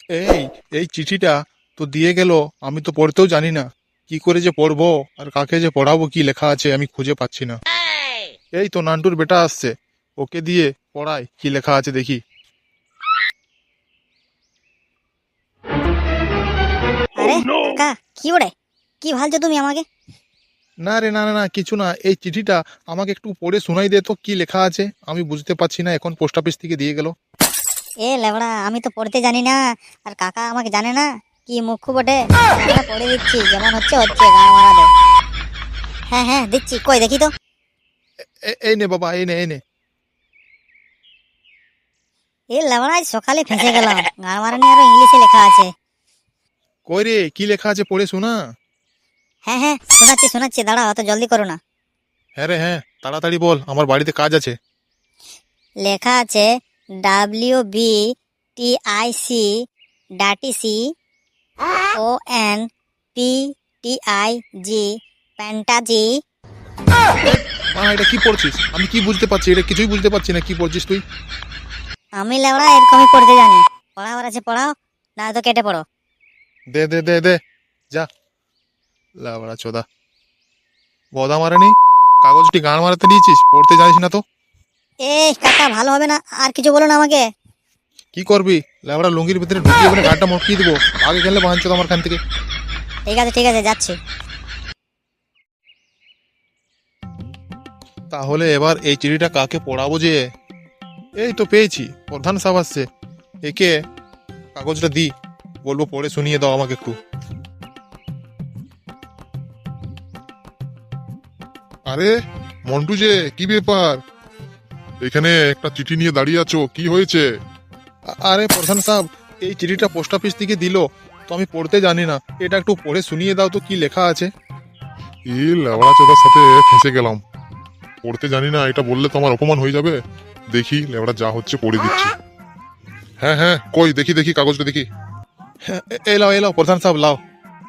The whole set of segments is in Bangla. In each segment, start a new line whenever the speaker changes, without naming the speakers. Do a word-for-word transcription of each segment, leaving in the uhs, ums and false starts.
এই এই চিঠিটা তো দিয়ে গেল, আমি তো পড়তেও জানি না। কি করে যে পড়বো আর কাকে যে পড়াবো, কি লেখা আছে আমি খুঁজে পাচ্ছি না। এই তো নান্টুর বেটা আসছে, ওকে দিয়ে পড়াই কি লেখা আছে দেখি।
আরে কাকা, কি ওরে, কি ভালছো তুমি আমাকে?
না রে, না না না, কিছু না। এই চিঠিটা আমাকে একটু পড়ে শোনাই দে তো, কি লেখা আছে আমি বুঝতে পারছি না। এখন পোস্ট অফিস থেকে দিয়ে গেল।
এ লেবড়া, আমি তো পড়তে জানি না, আর কাকা আমাকে জানে না, কি মুখ্য বটে। আমরা পড়ে দিচ্ছি, যেমন হচ্ছে হচ্ছে, গান মারা দে। হ্যাঁ হ্যাঁ দিচ্ছি, কই দেখি তো।
এ- এই নে বাবা, এই নে এই নে।
এ লেবড়া, আজ সকালে ফেঁসে গেলাম, গান মারানি আরো ইংলিশে লেখা আছে।
কই রে, কি লেখা আছে পড়ে শোনা।
হ্যাঁ হ্যাঁ শোনাচ্ছি শোনাচ্ছি, দাঁড়াও, অত জলদি করো না।
হ্যাঁ রে হ্যাঁ, তাড়াতাড়ি বল, আমার বাড়িতে কাজ আছে।
লেখা আছে W B T I C ডাটি C O N P T I G প্যান্টাজি।
মা, এটা কি পড়ছিস? আমি কি বুঝতে পারছি? এটা কিছুই বুঝতে পারছি না, কি পড়ছিস তুই?
আমি লেবড়া এরকমই পড়তে জানি। পড়াবার আছে পড়াও, না তো কেটে পড়ো।
দে দে দে দে, যা। লাবড়া চোদা, গদা মারানি, কাগজটি গান মারাতে দিয়েছিস, পড়তে জানিস না তো।
এ কাকা, ভালো হবে না, আর কিছু বলো না আমাকে।
কি করবি? লাবড়া লুঙ্গির ভিতরে ঢুকিয়ে মানে গানটা মটকিয়ে দিবো। আগে গেলে বাঁধছো আমার খান থেকে।
ঠিক আছে ঠিক আছে, যাচ্ছি।
তাহলে এবার এই চিঠিটা কাকে পড়াবো যে? এই তো পেয়েছি, প্রধান সাহেব আসছে। একে কাগজটা দি, বলবো পড়ে শুনিয়ে দাও আমাকে একটু।
আরে মন্টু যে, কি ব্যাপার? এখানে একটা চিঠি নিয়ে দাঁড়িয়ে আছো, কি হয়েছে?
আ- আরে প্রধান সাহেব, এই চিঠিটা পোস্ট অফিস থেকে দিল, তো আমি পড়তে জানি না। এটা একটু পড়ে শুনিয়ে দাও তো, কি লেখা আছে।
এই লেবড়া চোদার সাথে ফেঁসে গেলাম। পড়তে জানি না এটা বললে তো আমার অপমান হয়ে যাবে। দেখি লেবড়া যা হচ্ছে পড়ে দিচ্ছি। হ্যাঁ হ্যাঁ, কই দেখি দেখি কাগজটা দেখি।
হ্যাঁ, এ- এই লাও এই লাও প্রধান সাহেব, লাও।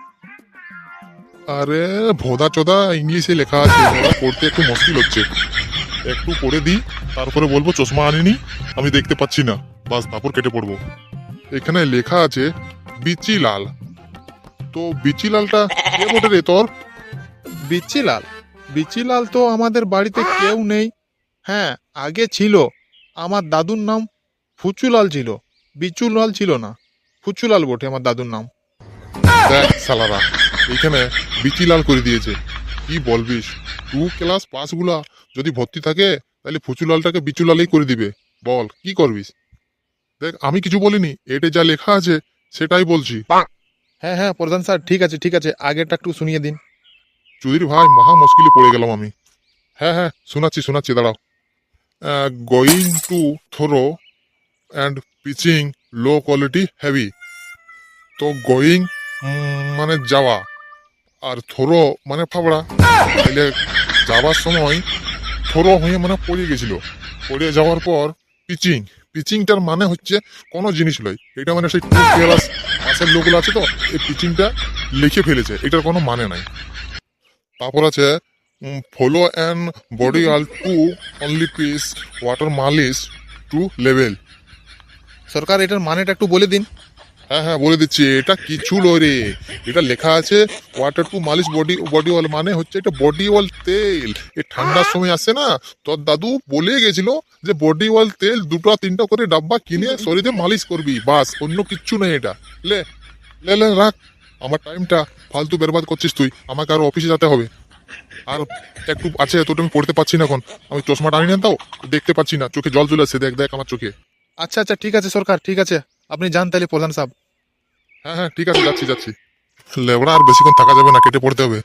আরে ভোদা চোদা ইংলিশে লেখা আছে, লেবড়া পড়তে একটু মুশকিল হচ্ছে। একটু পড়ে দিই, তারপরে বলবো চশমা আনিনি, আমি দেখতে পাচ্ছি না, বাস তারপর কেটে পড়বো। এখানে লেখা আছে বিচি লাল। তো বিচি লালটা কে বটে রে তোর?
বিচিলাল? বিচিলাল তো আমাদের বাড়িতে কেউ নেই। হ্যাঁ, আগে ছিল। আমার দাদুর নাম ফুচুলাল ছিল, বিচুলাল ছিল না। ফুচুলাল বটে আমার দাদুর নাম।
দেখ সালারা, এইখানে বিচিলাল করে দিয়েছে। কি বলবিস? টু ক্লাস পাস গুলা যদি ভর্তি থাকে, তাহলে ফুচুলালটাকে বিচুলালই করে দিবে। বল কি করবিস? দেখ আমি কিছু বলিনি, এটা যা লেখা আছে সেটাই বলছি।
হ্যাঁ হ্যাঁ প্রধান স্যার, ঠিক আছে ঠিক আছে, আগেরটা একটু শুনিয়ে দিন।
চুদির ভাই, মহা মুশকিলে পড়ে গেলাম আমি। হ্যাঁ হ্যাঁ শোনাচ্ছি শোনাচ্ছি, দাঁড়াও। Going to throw and pitching low quality heavy. তো গোয়িং মানে যাওয়া, আর থ্রো মানে ফাবড়া। তাইলে যাওয়ার সময় থ্রো হয়ে মানে পড়ে গেছিল। পড়ে যাওয়ার পর পিচিং, পিচিংটার মানে হচ্ছে কোনো জিনিস লয়। এটা মানে সেই টু ক্লাস পাশের লোকগুলো আছে তো, এই পিচিংটা লিখে ফেলেছে, এটার কোনো মানে নাই। তারপর আছে follow and body all to only piece water মালিশ টু লেভেল।
সরকার, এটার মানেটা একটু বলে দিন।
হ্যাঁ হ্যাঁ বলে দিচ্ছি, এটা কিছু লয় রে। এটা লেখা আছে ওয়াটার টু মালিশ বডি বডি অয়েল, মানে হচ্ছে এটা বডি অয়েল তেল। এই ঠান্ডার সময় আসে না, তোর দাদু বলে গেছিল যে বডি অয়েল তেল দুটো তিনটা করে ডাব্বা কিনে শরীরে মালিশ করবি, বাস, অন্য কিচ্ছু নেই এটা। লে লে লে রাখ, আমার টাইমটা ফালতু বেরবাদ করছিস তুই, আমাকে আরো অফিসে যেতে হবে। আর একটু আছে, তোটা আমি পড়তে পারছি না এখন। আমি চশমাটা আনি না, তাও দেখতে পাচ্ছি না, চোখে জল চলে আসছে, দেখ দেখ আমার চোখে।
আচ্ছা আচ্ছা, ঠিক আছে সরকার, ঠিক আছে, আপনি যান তাহলে প্রধান সাহেব।
হ্যাঁ হ্যাঁ ঠিক আছে, যাচ্ছি যাচ্ছি। লেবড়া আর বেশিক্ষণ থাকা যাবে না, কেটে পড়তে হবে।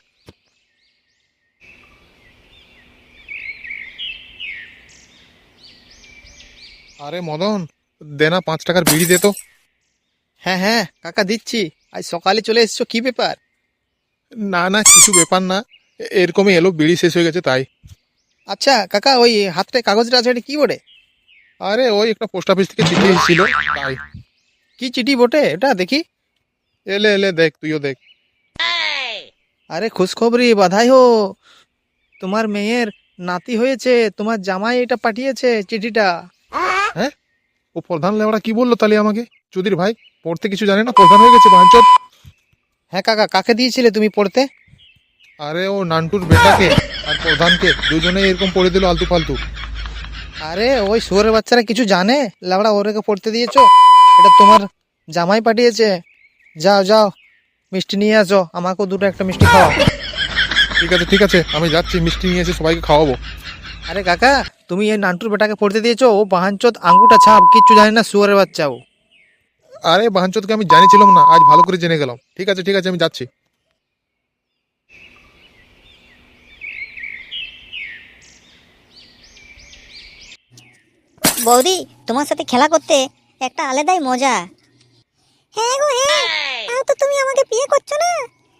আরে মদন, দেনা পাঁচ টাকার বিড়ি দে তো। হ্যাঁ হ্যাঁ কাকা, দিচ্ছি। আজ সকালে চলে এসছো, কি ব্যাপার? না না, কিছু ব্যাপার না, এ- এরকমই এলো, বিড়ি শেষ হয়ে গেছে তাই। আচ্ছা কাকা, ওই হাতটায় কাগজটা আছে, এটা কি বটে? আরে ওই একটা পোস্ট অফিস থেকে চিঠি এসেছিল তাই। কি চিঠি বটে এটা, দেখি। এলে এলে দেখ, তুইও দেখ। আরে খুশখবরি, বাধাই হো, তোমার মেয়ের নাতি হয়েছে, তোমার জামাই এটা পাঠিয়েছে চিঠিটা। হ্যাঁ, ও ও প্রধান লেওড়া কি বললো তাহলে আমাকে? চুদির ভাই পড়তে কিছু জানে না, প্রধান হয়ে গেছে বাঞ্চত। হ্যাঁ কাকা, কাকে দিয়েছিলে তুমি পড়তে? আরে ও নান্টুর বেটাকে আর প্রধানকে দুজনে এরকম পড়ে দিল আলতু ফালতু। আরে ওই শুয়োরের বাচ্চারা কিছু জানে? লেওড়া ওরেকে পড়তে দিয়েছো? এটা তোমার জামাই পাঠিয়েছে। যাও যাও মিষ্টি নিয়ে আসো, আমাকেও দুটো একটা মিষ্টি খাওয়াও। ঠিক আছে ঠিক আছে, আমি যাচ্ছি, মিষ্টি নিয়ে এসে সবাইকে খাওয়াবো। আরে কাকা, তুমি এই নান্টুর বেটাকে পড়তে দিয়েছো? ও বাহানচোদ আঙ্গুটা ছাপ, কিচ্ছু জানে না শুয়োরের বাচ্চা ও। আরে বাহানচোদকে আমি জানিছিলাম না, আজ ভালো করে জেনে গেলাম। ঠিক আছে ঠিক আছে, আমি যাচ্ছি।
বৌদি, তোমার সাথে খেলা করতে একটা আলাদাই মজা। হ্যাঁ গো হ্যাঁ, তাও তো তুমি আমাকে বিয়ে করছো না?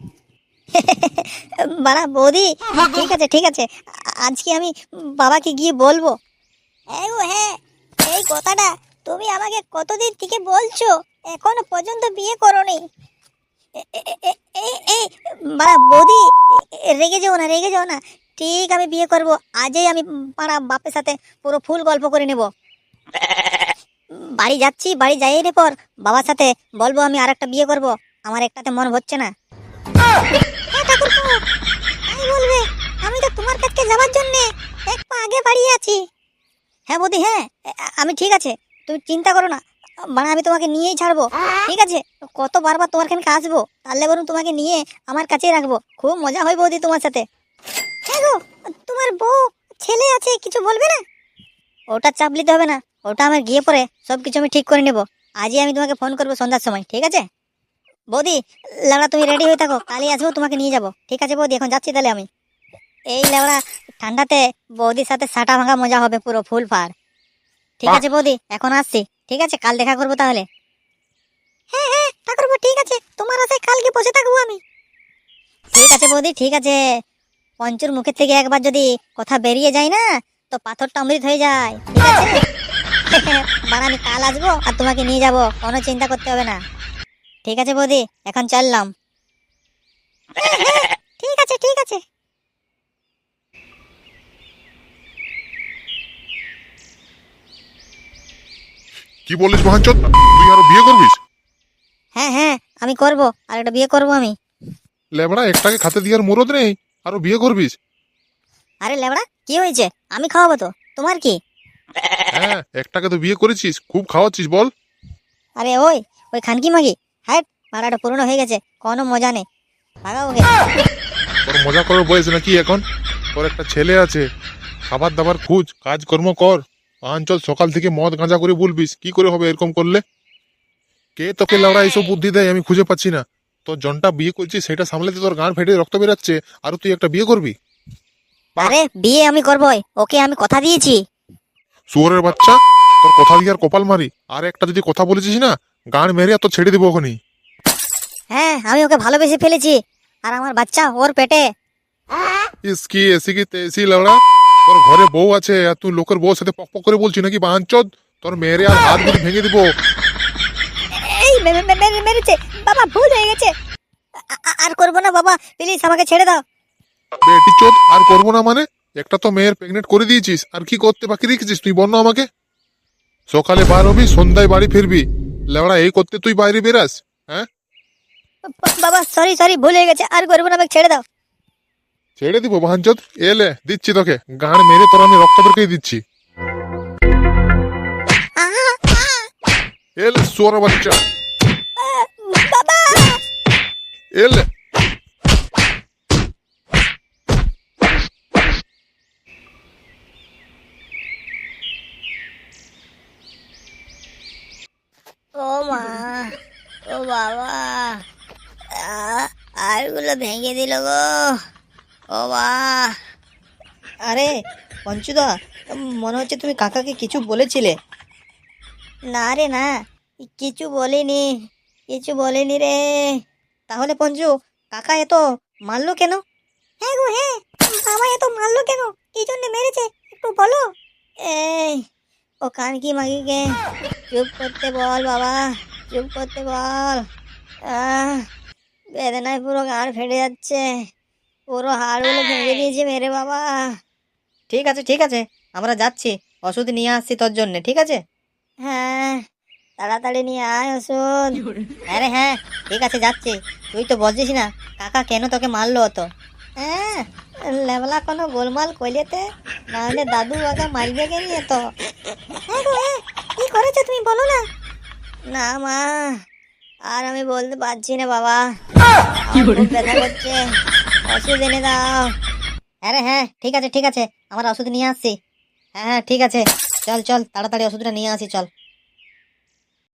বাড়া বৌদি, ঠিক আছে ঠিক আছে, আ- আজকে আমি বাবাকে গিয়ে বলবো। হ্যাঁ গো হ্যাঁ, এই কথাটা তুমি আমাকে কতদিন থেকে বলছো, এখনো পর্যন্ত বিয়ে করোনি। এ- এ- এ- এ- এই বাড়া বৌদি, এ- রেগে যাও না রেগে যাও না, ঠিক আমি বিয়ে করব আজই। আমি বাড়া বাপের সাথে পুরো ফুল গল্প করে নেব। বাড়ি যাচ্ছি, বাড়ি যাই রে পর বাবার সাথে বলবো আমি আর একটা বিয়ে করব, আমার একটাতে মন হচ্ছে না। হ্যাঁ ঠাকুরপো, তাই বলবে, আমি তো তোমার কাছে যাওয়ার জন্য এক পা আগে বাড়িয়ে আছি। হ্যাঁ বৌদি হ্যাঁ, আ- আমি ঠিক আছে, তুমি চিন্তা করো না, মানে আমি তোমাকে নিয়েই ছাড়বো। ঠিক আছে, কত বারবার তোমার কাছে আসবো, তাহলে বরং তোমাকে নিয়ে আমার কাছেই রাখবো, খুব মজা হয় বৌদি তোমার সাথে। হ্যাঁ গো, তোমার বউ ছেলে আছে, কিছু বলবে না? ওটা চাপ নিতে হবে না, ওটা আমার গিয়ে পরে সব কিছু আমি ঠিক করে নেব। আজই আমি তোমাকে ফোন করবো সন্ধ্যার সময়, ঠিক আছে? বৌদি লেবড়া তুমি রেডি হয়ে থাকো, কালই আসবো, তোমাকে নিয়ে যাবো। ঠিক আছে বৌদি, এখন যাচ্ছি তাহলে আমি। এই লেবড়া ঠান্ডাতে বৌদির সাথে সাটা ভাঙা মজা হবে পুরো ফুল ফার। ঠিক আছে বৌদি, এখন আসছি। ঠিক আছে, কাল দেখা করবো তাহলে। হ্যাঁ হ্যাঁ ঠাকুরপো, ঠিক আছে, তোমার আশায় কালকে বসে থাকবো আমি। ঠিক আছে বৌদি ঠিক আছে, পঞ্চুর মুখের থেকে একবার যদি কথা বেরিয়ে যায় না, তো পাথরটা অমৃত হয়ে যায়। ঠিক আছে? মানে আমি কাল আসবো আর তোমাকে নিয়ে যাব, কোনো চিন্তা করতে হবে না। ঠিক আছে বৌদি, এখন চললাম। ঠিক আছে ঠিক আছে।
কি বলিস বাঞ্চত, তুই আরো বিয়ে করবিস?
হ্যাঁ হ্যাঁ, আমি করব, আর একটা বিয়ে করব আমি।
লেবড়া একটাকে খাতে দিয়ার মুরদ নেই, আরো বিয়ে করবিস?
আরে লেবড়া কি হয়েছে, আমি খাওয়াবো তো, তোমার কি?
হ্যাঁ, একটাকে তো বিয়ে করেছিস, খুব খাওয়াচ্ছিস বল।
আরে ওই ওই খানকি মাগি, হ্যাঁ মারাটা পুরনো হয়ে গেছে, কোনো মজা নেই, ভাগা ওকে।
তোর মজা করার বয়স নাকি এখন? তোর একটা ছেলে আছে, খাবার দাবার খুঁজ, কাজকর্ম কর। অঞ্চল সকাল থেকে মদ গাঁজা করে বলবিস, কি করে হবে এরকম করলে? কে তোকে লাউড়া এইসব বুদ্ধি দেয় আমি খুঁজে পাচ্ছি না। তোর জনটা বিয়ে করছিস সেটা সামলাতে তোর গান ফেটে রক্ত বেরাচ্ছে, আর তুই একটা বিয়ে করবি?
আরে বিয়ে আমি করবই, ওকে আমি কথা দিয়েছি।
শুয়োরের বাচ্চা, তোর কথা দিয়ে আর কপাল মারি, আর একটা যদি কথা বলেছিস না, গান মেরে আর তোর ছেড়ে দেবো ওখানেই।
হ্যাঁ আমি ওকে ভালোবেসে ফেলেছি, আর আমার বাচ্চা ওর পেটে।
ইস কি এসি কি তেসি লাউড়া, তোর ঘরে বউ আছে আর তুই লোকের বউর সাথে পক পক করে বলছি নাকি বাঞ্চদ? তোর মেরে আর হাত গুলি ভেঙে দিব।
এই মে- মে- মে- মেরেছে বাবা, ভুল হয়ে গেছে, আ- আ- আর করবো না বাবা, প্লিজ আমাকে ছেড়ে দাও।
বেটি চোদ, আর করবো না মানে? একটা তো মেয়ের প্রেগনেন্ট করে দিয়েছিস, আর কি করতে বাকি রেখেছিস তুই বন্য আমাকে? সকালে বার হবি, সন্ধ্যায় বাড়ি ফিরবি, লেওড়া এই করতে তুই বাইরে বেরাস? হ্যাঁ,
বা- বাবা সরি সরি, ভুল হয়ে গেছে, আর করবো না, আমাকে ছেড়ে দাও।
ছেড়ে দিব বাহানচোদ, এলে দিচ্ছি তোকে গান মেরে, তোর আমি রক্ত বেরকেই দিচ্ছি।
আহা, আহা,
এলে সোর বাচ্চা,
আহ, বাবা।
এলে।
ও মা, ও বাবা, আরগুলো ভেঙে দিল গো, ও মা। আরে পঞ্চুদা, মনে হচ্ছে তুমি কাকাকে কিছু বলেছিলে। না রে না, কিছু বলিনি, কিছু বলিনি রে। তাহলে পঞ্চু, কাকা এত মারলো কেন? হ্যাঁ গো হ্যাঁ, বাবা এত মারলো কেন, কি জন্য মেরেছে একটু বলো। এই ও কানকি মাগিকে চুপ করতে বল বাবা, চুপ করতে বল। আহ বেদনায় পুরো গাঁড় ফেটে যাচ্ছে, পুরো হাড়গুলো ভেঙে দিয়েছে মেরে বাবা। ঠিক আছে ঠিক আছে, আমরা যাচ্ছি, ওষুধ নিয়ে আসছি তোর জন্য, ঠিক আছে? হ্যাঁ তাড়াতাড়ি নিয়ে আয় ওষুধ। হ্যাঁ রে হ্যাঁ ঠিক আছে যাচ্ছি। তুই তো বলছিস না কাকা কেন তোকে মারলো তো? হ্যাঁ লেবলা কোনো গোলমাল কইলেতে, নাহলে দাদু আগে মারবে কে নিয়ে তো। হ্যাঁ গো হ্যাঁ কি করেছো তুমি বলো না। না মা আর আমি বলতে পারছি না বাবা, আমার খুব ব্যথা করছে, ওষুধ এনে দাও। হ্যাঁ রে হ্যাঁ ঠিক আছে ঠিক আছে, আমার ওষুধ নিয়ে আসছি। হ্যাঁ হ্যাঁ ঠিক আছে, চল চল তাড়াতাড়ি ওষুধটা নিয়ে আসি চল।